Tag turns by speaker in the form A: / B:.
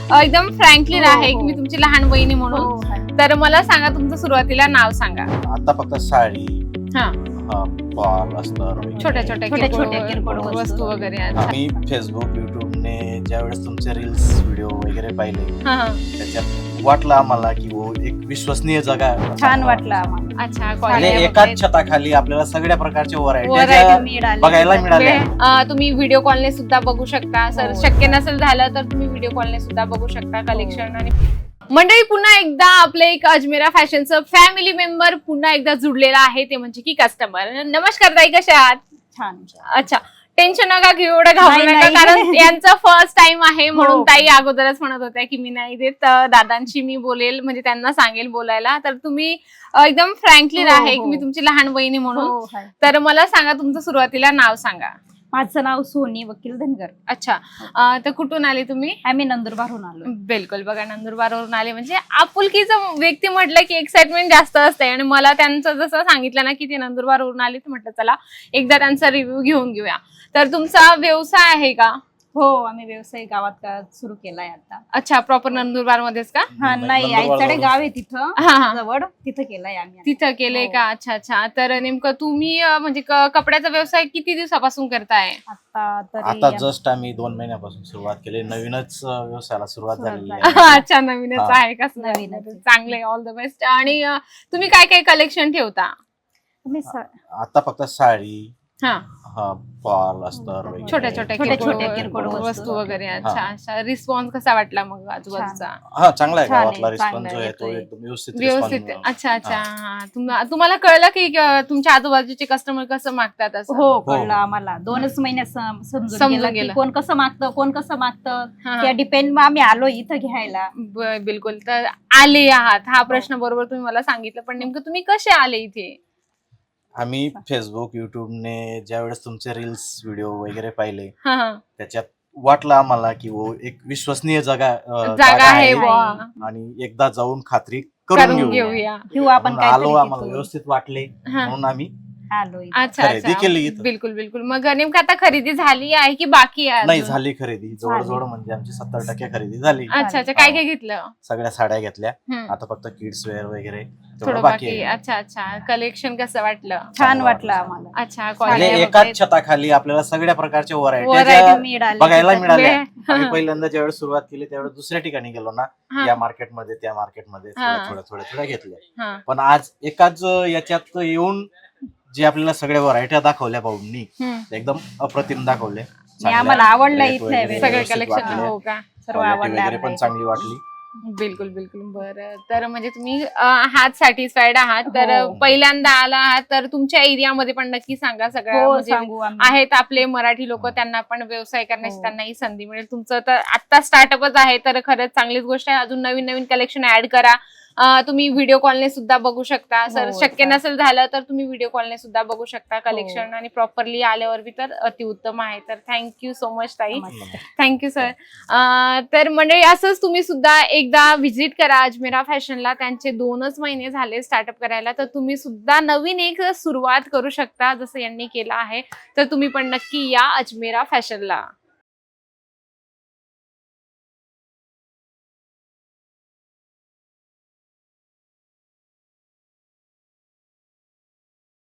A: एकदम फ्रँकली आहे की मी तुमची लहान बहिणी म्हणून. तर मला सांगा तुमचं सुरुवातीला नाव सांगा.
B: आता फक्त साडी,
A: हा,
B: बॉल अस्तर,
A: छोट्या छोट्या
C: किरकोळ
A: वस्तू वगैरे. अच्छा.
B: आम्ही फेसबुक युट्यूबने ज्यावेळेस तुमचे रील्स व्हिडिओ वगैरे पाहिले
A: हा, हा.
B: त्याच्यात वाटलं आम्हाला की वो एक विश्वसनीय जगा
C: छान वाटलं आम्हाला.
A: अच्छा,
B: म्हणजे
A: quality
B: एकाच
A: वगैरे.
B: छताखाली आपल्याला सगळ्या प्रकारचे
A: Variety
B: व्हरायटी बघायला मिळाल्या.
A: तुम्ही व्हिडिओ कॉलने सुद्धा बघू शकता. सर
C: हो.
A: शक्य नसेल झालं तर तुम्ही व्हिडिओ कॉलने सुद्धा बघू शकता कलेक्शन. आणि मंडळी, पुन्हा एकदा आपलं एक अजमेरा फॅशनचं फॅमिली मेंबर पुन्हा एकदा जुडलेला आहे, ते म्हणजे की कस्टमर. नमस्कार ताई, कशा आहात?
C: छान.
A: अच्छा, टेन्शन नका घेऊ, एवढं घाबरू
C: नाही,
A: नका,
C: नाही.
A: कारण यांचा फर्स्ट टाइम आहे म्हणून
C: हो.
A: ताई अगोदरच म्हणत होत्या की मी नाही देत, दादांशी मी बोलेल, म्हणजे त्यांना सांगेल बोलायला. तर तुम्ही एकदम फ्रँकली
C: हो,
A: आहे
C: हो.
A: की मी तुमची लहान बहिणी म्हणून.
C: हो, हाय.
A: तर मला सांगा तुमचं सुरुवातीला नाव सांगा.
C: माझं नाव सोनी वकील धनगर.
A: अच्छा, तर कुठून आले तुम्ही?
C: आम्ही नंदुरबारहून आलो.
A: बिलकुल, बघा नंदुरबारवरून आले म्हणजे आपुलकीचं व्यक्ती म्हटलं की एक्साइटमेंट जास्त असते. आणि मला त्यांचं जसं सांगितलं ना की ते नंदुरबारवरून आले, तर म्हटलं चला एकदा त्यांचा रिव्ह्यू घेऊन घेऊया. तर तुमचा व्यवसाय आहे का?
C: हो, आम्ही व्यवसाय गावात सुरू केलाय आता.
A: अच्छा, प्रॉपर नंदुरबार मध्येच का?
C: हा, नाही,
B: नंदुरबार
C: आईकडे
B: जवळ.
C: गाव आहे तिथं
A: हा, हा.
C: जवळ, तिथं केलाय आम्ही.
A: तिथं केले
C: हो.
A: का? अच्छा अच्छा. तर नेमकं तुम्ही म्हणजे कपड्याचा व्यवसाय किती दिवसापासून करताय?
B: आता जस्ट आम्ही 2 महिन्यापासून सुरुवात केली. नवीनच व्यवसायाला सुरुवात
C: सुरुवात
B: झालेली
C: झाली.
B: आहे.
A: अच्छा, नवीनच
B: हा.
A: आहे का?
C: नवीनच आहे.
A: चांगले, ऑल द बेस्ट. आणि तुम्ही काय काय कलेक्शन ठेवता?
B: आता फक्त साडी,
A: हा,
B: बॉल अस्तर वगैरे.
A: छोट्या
C: छोट्या किरकोळ
A: वस्तू वगैरे. अच्छा अच्छा. रिस्पॉन्स कसा वाटला मग आजूबाजूचा?
B: हा, चांगला आहे.
C: छान आहे,
B: गावातला रिस्पॉन्स
C: चांगला
B: जो आहे तो
C: येतोय.
B: एकदम व्यवस्थित
A: व्यवस्थित.
B: response
A: अच्छा अच्छा.
B: हा.
A: हा. तुम्हाला कळलं की तुमच्या आजूबाजूचे कस्टमर कसं मागतात असं?
C: हो, कळलं आम्हाला. 2च महिन्यात समजून गेलं की कोण कसं मागतं, कोण कसं मागतं.
A: हा.
C: त्या डिपेंड आम्ही आलो इथं घ्यायला.
A: बिलकुल. तर आले आहात, हा प्रश्न बरोबर तुम्ही मला सांगितलं, पण नेमकं तुम्ही कसे आले इथे?
B: आम्ही फेसबुक युट्यूबने ज्यावेळेस तुमचे रील्स व्हिडिओ वगैरे पाहिले
A: हा, हा.
B: त्याच्यात वाटलं आम्हाला की वो एक विश्वसनीय
A: जागा
B: जागा
A: आहे
B: आहे
A: बुवा.
B: आणि एकदा जाऊन खात्री
A: करून
B: करून घेऊ.
A: घेऊया.
C: किंवा आपण
B: म्हणून आलो,
C: काहीतरी
B: आम्हाला
C: तिथून
B: व्यवस्थित वाटले
A: हा.
B: म्हणून आम्ही
C: आलो इथं.
A: अच्छा
B: खरेदी
A: अच्छा.
B: केली इथं.
A: बिलकुल बिलकुल. मग नेमकं आता खरेदी झाली आहे की बाकी आहे
B: नाही
A: अजून?
B: झाली खरेदी. जवळजवळ म्हणजे आमची 70% खरेदी झाली.
A: अच्छा अच्छा. काय काय घेतलं?
B: सगळ्या साड्या घेतल्या.
A: हम्म.
B: आता फक्त किड्स वेअर वगैरे
A: थोडं
B: तेवढं
A: बाकी.
B: बाकी आहे.
A: अच्छा अच्छा. कलेक्शन कसं वाटलं?
C: छान वाटलं आम्हाला.
A: अच्छा,
B: म्हणजे
A: quality
B: एकाच
A: वगैरे.
B: छताखाली आपल्याला सगळ्या प्रकारच्या
A: Variety
B: व्हरायटी
C: मिळाली.
B: बघायला मिळाल्या.
A: हा.
B: आम्ही पहिल्यांदा ज्यावेळेस सुरुवात केली त्यावेळेस दुसऱ्या ठिकाणी गेलो ना,
A: हा.
B: या मार्केटमध्ये त्या मार्केटमध्ये
A: हा.
B: थोड्या घेतल्या.
A: हा.
B: पण आज एकाच याच्यात येऊन जे आपल्याला सगळ्या व्हरायट्या दाखवल्या भाऊंनी,
A: हम्म.
B: एकदम अप्रतिम दाखवले.
C: आणि आम्हाला आवडलं
B: Rate
C: इथलं
B: वगैरे
C: आहे.
A: सगळे
B: व्यवस्थित
A: कलेक्शन.
B: वाटले.
A: हो का?
C: सर्व
B: Quality
C: आवडलं
B: वगैरे पण
C: आपल्या
B: चांगली वाटली.
A: बिलकुल बिलकुल. बरं, तर म्हणजे तुम्ही आहात सॅटिस्फाईड आहात. तर
C: हो.
A: पहिल्यांदा आला आहात तर तुमच्या एरियामध्ये पण नक्की सांगा. सगळ्या
C: हो,
A: म्हणजे
C: सांगू आम्ही.
A: आहेत आपले मराठी लोक, त्यांना पण व्यवसाय करण्याची
C: हो.
A: त्यांनाही संधी मिळेल. तुमचं तर आता स्टार्टअपच आहे, तर खरंच चांगलीच गोष्ट आहे. अजून नवीन नवीन कलेक्शन ऍड करा. तुम्ही व्हिडिओ कॉलने सुद्धा बघू शकता. सर
C: हो,
A: शक्य
C: चालेल.
A: नसेल झालं तर तुम्ही व्हिडिओ कॉलने सुद्धा बघू शकता कलेक्शन.
C: हो.
A: आणि प्रॉपरली आल्यावर बी तर अतिउत्तम आहे. तर थँक्यू सो मच ताई.
C: नमस्कार.
A: Thank you sir. तर मंडळी, असंच तुम्ही सुद्धा एकदा व्हिजिट करा अजमेरा फॅशनला. त्यांचे 2च महिने झाले स्टार्टअप करायला, तर तुम्ही सुद्धा नवीन एक सुरुवात करू शकता जसं यांनी केलं आहे. तर तुम्ही पण नक्की या अजमेरा फॅशनला.